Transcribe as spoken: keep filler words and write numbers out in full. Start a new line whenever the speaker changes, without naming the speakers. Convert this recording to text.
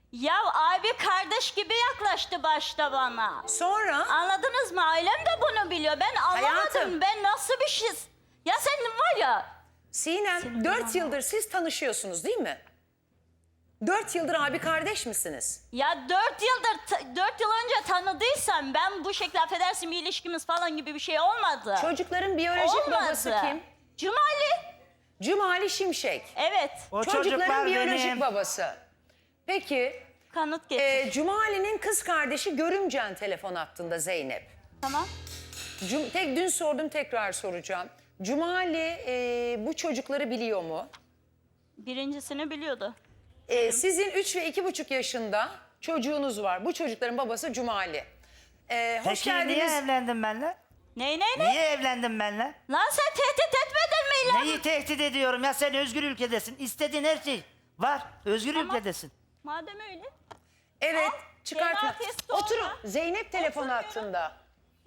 Ya abi kardeş gibi yaklaştı başta bana.
Sonra
Anladınız mı? Ailem de bunu biliyor. Ben anlamadım.
Hayatım.
Ben nasıl bir şey... Ya sen var ya...
Sinem
Senin
dört
baban
yıldır siz tanışıyorsunuz değil mi? Dört yıldır abi kardeş misiniz?
Ya dört yıldır, ta- dört yıl önce tanıdıysam ben bu şekilde affedersin bir ilişkimiz falan gibi bir şey olmadı.
Çocukların biyolojik
Olmadı.
babası kim?
Cumali.
Cumali Şimşek.
Evet.
O
Çocukların
çocuklar
biyolojik
benim.
babası. Peki
Kanıt getir.
e, Cumali'nin kız kardeşi Görümcen telefon hattında Zeynep.
Tamam.
Cum tek dün sordum tekrar soracağım. Cumali e, bu çocukları biliyor mu?
Birincisini biliyordu.
E, sizin üç ve iki buçuk yaşında çocuğunuz var. Bu çocukların babası Cumali. E, hoş
Peki niye
geldiniz.
evlendin benimle?
Ney ney ney?
Niye evlendin benimle?
Lan sen tehdit etmedin mi lan?
Neyi tehdit ediyorum ya, sen özgür ülkedesin. İstediğin her şey var. Özgür
Tamam.
ülkedesin.
Madem öyle.
Evet
Al,
çıkartma.
D N A testi
Oturun.
olma.
Zeynep telefon
Oturuyorum.
hattında.